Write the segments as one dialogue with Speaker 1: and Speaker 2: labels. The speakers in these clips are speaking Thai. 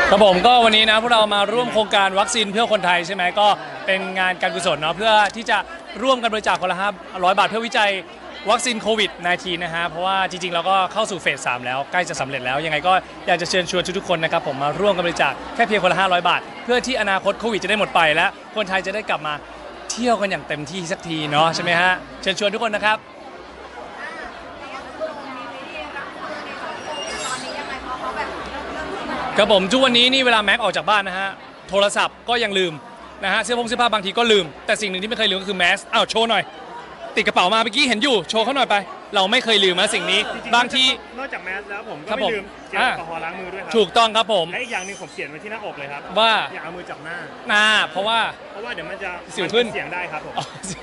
Speaker 1: ครับผมก็วันนี้นะพวกเรามาร่วมโครงการวัคซีนเพื่อคนไทยใช่ไหมก็เป็นงานการกุศลเนาะเพื่อที่จะร่วมกันบริจาคคนละ500 บาทเพื่อวิจัยวัคซีนโควิด -19 นะฮะเพราะว่าจริงๆเราก็เข้าสู่เฟส 3แล้วใกล้จะสำเร็จแล้วยังไงก็อยากจะเชิญชวนทุกๆคนนะครับผมมาร่วมกันบริจาคแค่เพียงคนละ500 บาทเพื่อที่อนาคตโควิดจะได้หมดไปและคนไทยจะได้กลับมาเที่ยวกันอย่างเต็มที่สักทีเนาะใช่ไหมฮะเชิญชวนทุกคนนะครับครับผมทุกวันนี้นี่เวลาแม็กออกจากบ้านนะฮะโทรศัพท์ก็ยังลืมนะฮะเสื้อผ้าบางทีก็ลืมแต่สิ่งหนึ่งที่ไม่เคยลืมก็คือแมสอ้าวโชว์หน่อยติดกระเป๋ามาเมื่อกี้เห็นอยู่โชว์เขาหน่อยไปเราไม่เคยลืมนะสิ่งนี้บางที
Speaker 2: นอกจากแมสแล้วผมก็ไม่ลืมเจลแอลกอฮอล์ล้างมือด้วยครั
Speaker 1: ถูกต้องครับผม
Speaker 2: และอีกอย่างหนึ่งผมเขียนไว้ที่หน้าอกเลยครับ
Speaker 1: ว่า
Speaker 2: อย่าเอามือจับหน้า
Speaker 1: เพราะว่า
Speaker 2: เดี๋ยวมันจะ
Speaker 1: สิวขึ้น
Speaker 2: เสียงได้ครับผม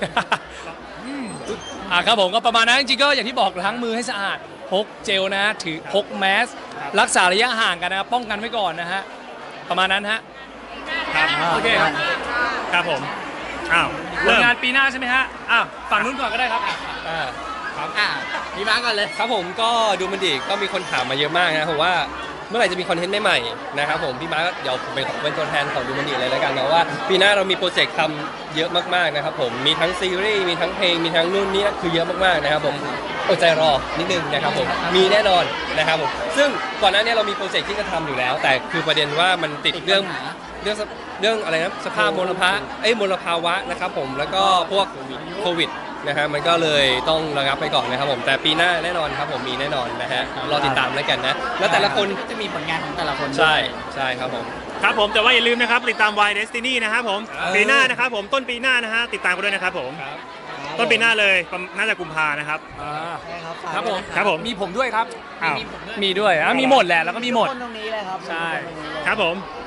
Speaker 1: ครับผมก็ประมาณนั้นจริงๆก็อย่างที่บอกล้างมือให้สะอาดพกเจลนะถือพกแมสรักษาระยะห่างกันนะป้องกันไว้ก่อนนะฮะประมาณนั้นฮะ
Speaker 2: ครับ
Speaker 1: โอเค
Speaker 2: ครับผมอ้าว
Speaker 1: งานปีหน้าใช่ไหมฮะฝั่งนู้นก่อนก็ได้ครับ
Speaker 3: ครับพี่มาร์กก่อนเลยครับผมก็ดูมันดีก็มีคนถามมาเยอะมากนะผมว่าเมื่อไหร่จะมีคอนเทนต์ใหม่ๆนะครับผมพี่มาร์กเดี๋ยวผมเป็นตัวแทนของดูมันดีเลยแล้วกันนะว่าปีหน้าเรามีโปรเจกต์ทำเยอะมากๆนะครับผมมีทั้งซีรีส์มีทั้งเพลงมีทั้งนู่นนี่คือเยอะมากๆนะครับผมอดใจรอนิดนึงนะครับผมมีแน่นอนนะครับผมซึ่งก่อนหน้านี้เรามีโปรเจกต์ที่จะทำอยู่แล้ว แต่คือประเด็นว่ามันติดเรื่องอะไรนะสภาพมลภาวะนะครับผมแล้วก็พวกโควิดนะฮะมันก็เลยต้องระงับไปก่อนนะครับผมแต่ปีหน้าแน่นอนครับผมมีแน่นอนนะฮะรอติดตามแล้วกันนะแล้วแต่ละคน
Speaker 4: จะมีผลงานของแต่ละคน
Speaker 3: ใช่ครับผม
Speaker 2: ครับผมแต่ว่าอย่าลืมนะครับติดตาม Y Destiny นะครับผมปีหน้านะครับผมต้นปีหน้านะฮะติดตามกันด้วยนะครับผมต้นปีหน้าเลยน่าจะกุมภานะครับ
Speaker 1: ครับผมมีผมด้วยครับ
Speaker 2: อ้าว
Speaker 1: มีด้วยมีหมดแหละแล้วก็มีหมด
Speaker 4: ตรงนี้เลยครับ
Speaker 1: ใช่
Speaker 2: ครับผม